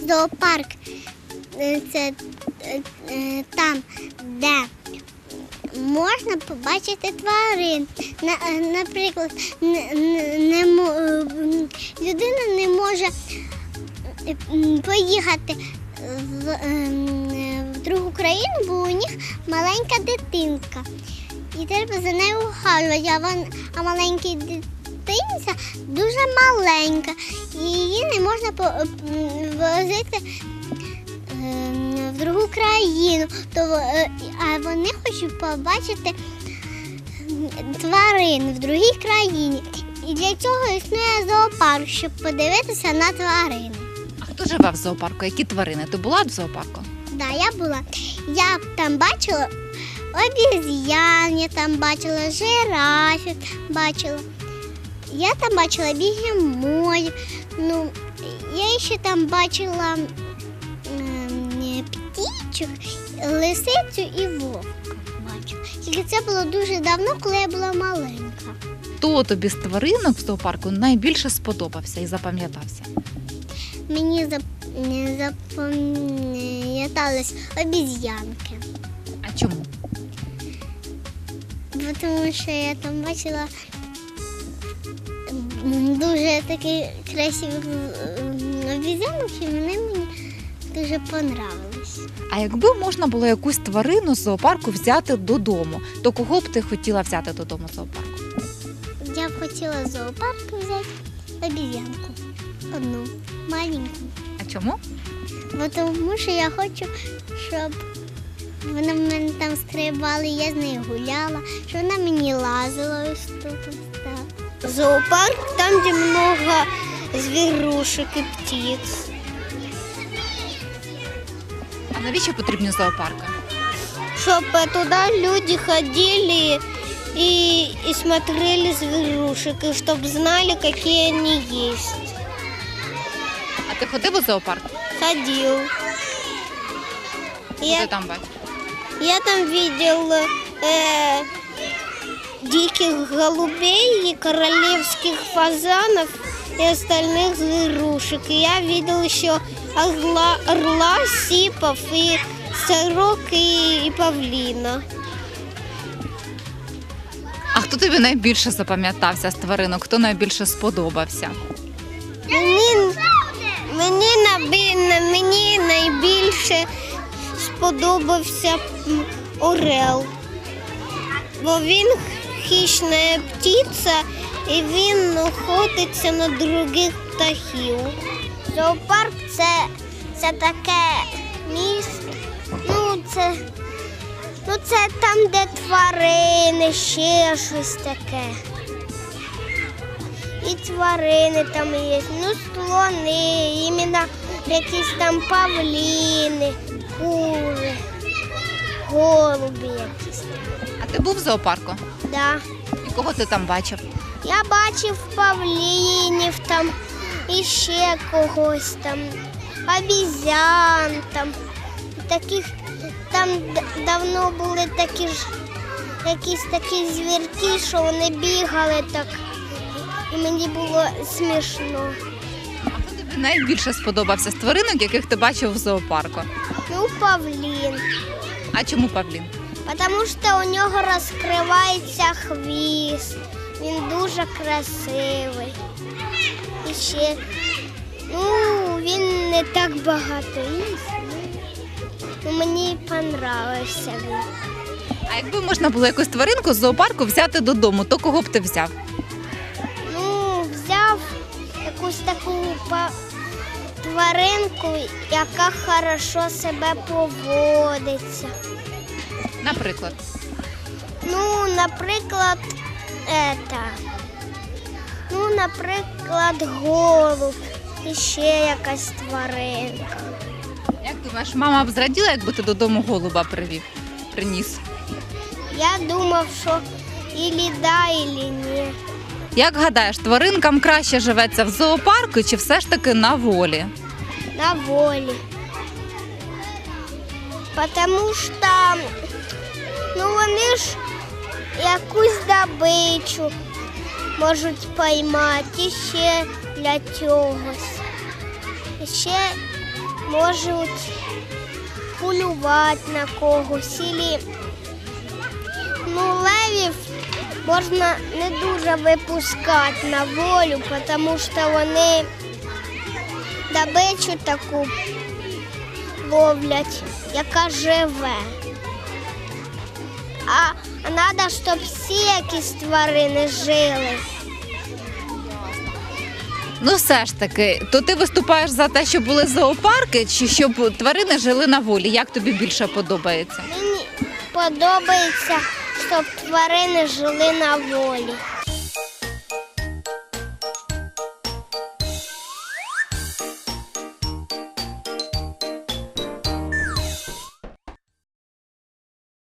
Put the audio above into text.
Зоопарк це там, де можна побачити тварин. Наприклад, людина не може поїхати в другу країну, бо у них маленька дитинка. І треба за нею ухажувати, а маленька дитинця дуже маленька. І її не можна возити в другу країну. А вони хочуть побачити тварин в другій країні. І для цього існує зоопарк, щоб подивитися на тварин. А хто живе в зоопарку? Які тварини? Ти була в зоопарку? Так, я була. Я там бачила обезьян, я там бачила жирафів, бачила. Я там бачила бігемотів. Я ще там бачила птічок, лисицю і вовка. Тільки це було дуже давно, коли я була маленька. Хто тобі з тваринок в зоопарку найбільше сподобався і запам'ятався? Мені запам'ятались обезьянки. А чому? Тому що я там бачила дуже такі красиві обезьянок, і вони мені дуже понравились. А якби можна було якусь тварину з зоопарку взяти додому, то кого б ти хотіла взяти додому з зоопарку? Я б хотіла з зоопарку взяти обезьянку. Одну, маленьку. А чому? Тому що я хочу, щоб вона в мене там стрибала, я з нею гуляла, щоб вона мені лазила ось тут. Так. Зоопарк там, де багато звірушек і птиць. А навіщо потрібні зоопарки? Щоб туди люди ходили и смотрели зверушек, и чтобы знали, какие они есть. А ти ходив у зоопарк? Ходил. Що ти там бачив? Я там видел диких голубей и королевских фазанов и остальных зверушек. И я видел еще орла, сипов, и сорок, и павлина. А хто тобі найбільше запам'ятався з тваринок? Хто найбільше сподобався? Мені найбільше сподобався орел, бо він хищна птиця і він охотиться на других птахів. Зоопарк це таке місце, це там, де тварини, ще щось таке. І тварини там є, слони, іменно якісь там павліни, кури, голуби якісь. А ти був в зоопарку? Да. І кого ти там бачив? Я бачив павлінів там, і ще когось там, обізян там, таких. Там давно були якісь такі звірки, що вони бігали так, і мені було смішно. А хто тобі найбільше сподобався з тваринок, яких ти бачив в зоопарку? Павлін. А чому павлін? Тому що у нього розкривається хвіст, він дуже красивий. І ще, він не так багато їсть. Мені понравився він. А якби можна було якусь тваринку з зоопарку взяти додому, то кого б ти взяв? Взяв якусь таку тваринку, яка хорошо себе поводиться. Наприклад? Наприклад, голуб і ще якась тваринка. Як думаєш, мама б зраділа, якби ти додому голуба приніс? Я думав, що ілі да, ілі ні. Як гадаєш, тваринкам краще живеться в зоопарку чи все ж таки на волі? На волі. Тому що вони ж якусь добичу можуть поймати ще для чогось. Ще можуть полювати на когось. Левів можна не дуже випускати на волю, тому що вони добичу таку ловлять, яка живе. А треба, щоб всі якісь тварини жили. Ну все ж таки, то ти виступаєш за те, щоб були зоопарки, чи щоб тварини жили на волі? Як тобі більше подобається? Мені подобається, щоб тварини жили на волі.